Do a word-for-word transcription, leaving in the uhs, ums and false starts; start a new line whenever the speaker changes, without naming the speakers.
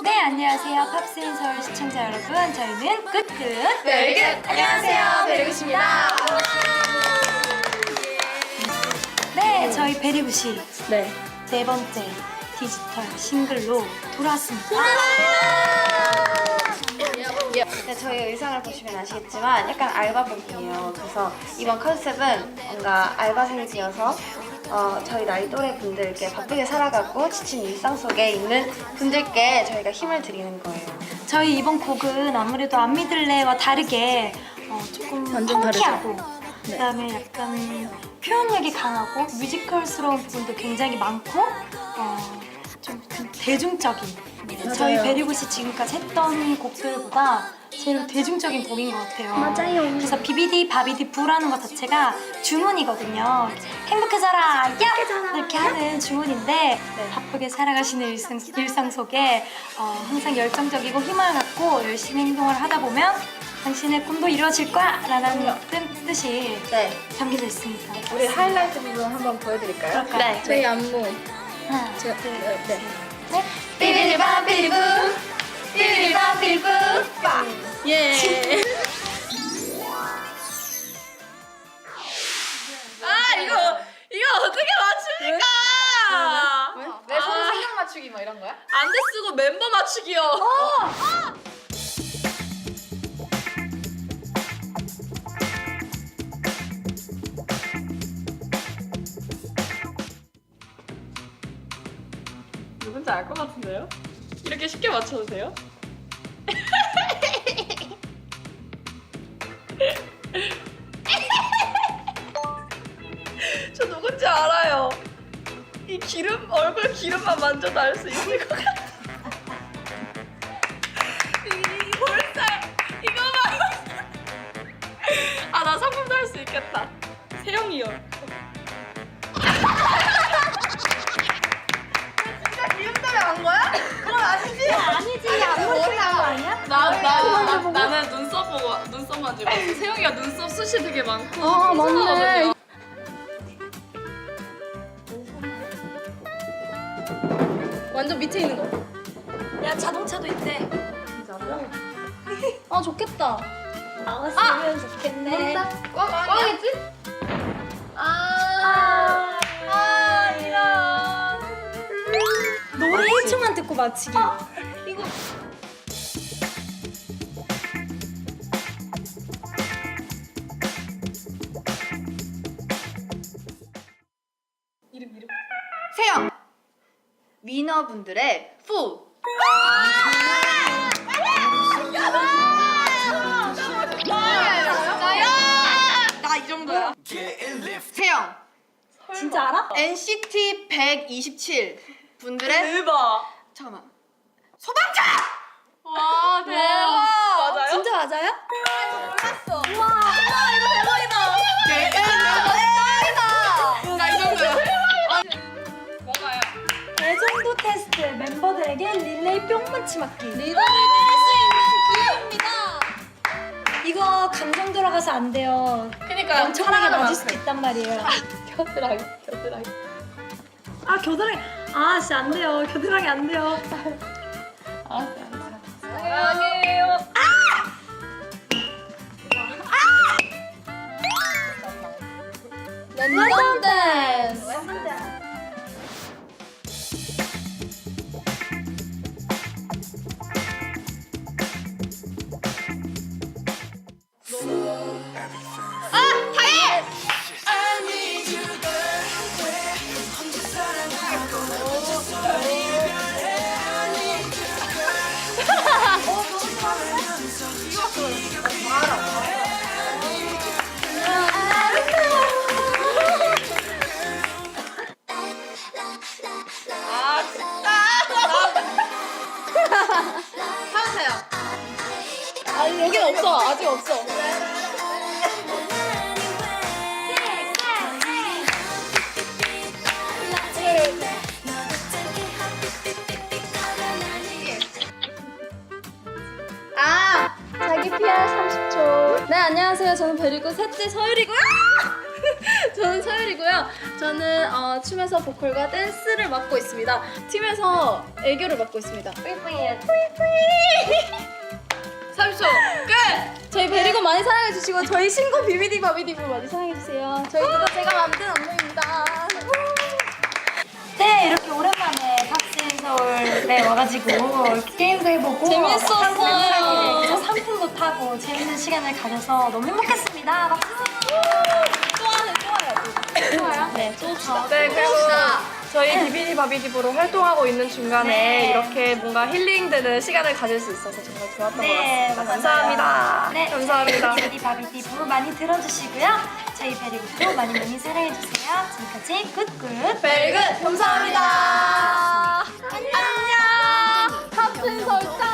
네, 안녕하세요. 팝스인 서울 시청자 여러분. 저희는 굿굿
베리굿! 안녕하세요, 베리굿입니다.
네, 저희 베리굿이
네.
네 번째 디지털 싱글로 돌아왔습니다.
네, 저희 의상을 보시면 아시겠지만 약간 알바복이에요. 그래서 이번 컨셉은 뭔가 알바생이어서 어, 저희 나이 또래 분들께 바쁘게 살아가고 지친 일상 속에 있는 분들께 저희가 힘을 드리는 거예요.
저희 이번 곡은 아무래도 안 믿을래와 다르게 어, 조금
완전
펑키하고
다르죠?
그다음에 약간 표현력이 강하고 뮤지컬스러운 부분도 굉장히 많고 어, 좀 대중적인 저희 베리굿이 지금까지 했던 곡들보다 제일 대중적인 곡인 것 같아요.
맞아요.
그래서 비비디 바비디 부라는 것 자체가 주문이거든요. 행복해져라, 야! 이렇게 하는 주문인데
네.
바쁘게 살아가시는 일상, 일상 속에 어, 항상 열정적이고 희망을 갖고 열심히 행동을 하다 보면 당신의 꿈도 이루어질 거야! 라는 뜻, 뜻이
네.
담겨져 있습니다.
우리 하이라이트 부분 한번 보여드릴까요?
그럴까요?
네.
저희 안무.
하나,
제가-
둘,
네.
셋, 넷.
삐리리밤 삐리붐 삐리리밤 삐리붐
예.
아 이거 이거 어떻게 맞춥니까?
내 손 생각 맞추기 뭐 이런 거야?
안대 쓰고 멤버 맞추기요. 누군지 알 것 같은데요? 이렇게 쉽게 맞춰도 돼요? 저 누군지 알아요. 이 기름, 얼굴 기름만 만져도 알 수 있을 것 같아. 이, 이 볼살, 이거만. 아, 나 상품도 할 수 있겠다. 세영이요. 진짜 기름 때문에 한 거야? 그건 아니지?
아니지, 안 보이는 거 아니야?
나, 나, 나, 나는 눈썹 보고, 눈썹 만지고. 세영이가 눈썹 숱이 되게 많고.
아, 맞네. 완전 밑에 있는 거.
야, 자동차도 있대.
아, 좋겠다.
나왔으면 좋겠네.
꽝이지?
아, 아, 이런. 노래 일 초만 듣고 맞히기.
이거.
이름, 이름.
세영! 위너분들의 푸!
나 이 정도야.
세영!
진짜 알아?
엔시티 백이십칠 분들의
대박.
잠깐만 소방차!
와, 대박. 맞아요?
진짜 맞아요?
나 이 정도야. 뭔가요?
애정도 테스트 멤버들에게 릴레이 뿅 맞치 맞기.
리더를 뗄수 있는 기회입니다.
이거 감정 들어가서 안 돼요.
그니까
엄청나게 맞을 수도 있단 말이에요.
겨드랑이, 겨드랑이.
아 겨드랑이. 아 진짜 안 돼요. 겨드랑이 안 돼요.
사랑해요.
랜덤 댄스.
아, 진짜.
하세요.
아니, 여긴 없어. 아직 없어.
아!
자기 피알 삼십 초. 네, 안녕하세요. 저는 베리굿 셋째 서율이고요. 저는 서율이고요. 저는 어, 춤에서 보컬과 댄스를 맡고 있습니다. 팀에서 애교를 맡고 있습니다.
뿌이뿌이예요.
삼 초 끝! 저희 베리고 많이 사랑해주시고 저희 신곡 비비디 바비디브 많이 사랑해주세요. 저희 그거 제가 만든 안무입니다.
네, 이렇게 오랜만에 팝스인 서울에 와가지고 게임도 해보고
재밌었어요.
그래서 상품도 타고 재밌는 시간을 가져서 너무 행복했습니다. 박수!
또 하네 또 해야지.
좋아요?
네, 또 봅시다.
네, 그리고 저희 비비디 바비디브로 활동하고 있는 중간에
네.
이렇게 뭔가 힐링되는 시간을 가질 수 있어서 정말 좋았던
네,
것 같습니다.
맞아요.
감사합니다.
네,
감사합니다.
비비디 바비디브 많이 들어주시고요. 저희 베리굿도 많이 많이 사랑해주세요. 지금까지 굿굿
베리굿 감사합니다. 안녕. 탑승 설정.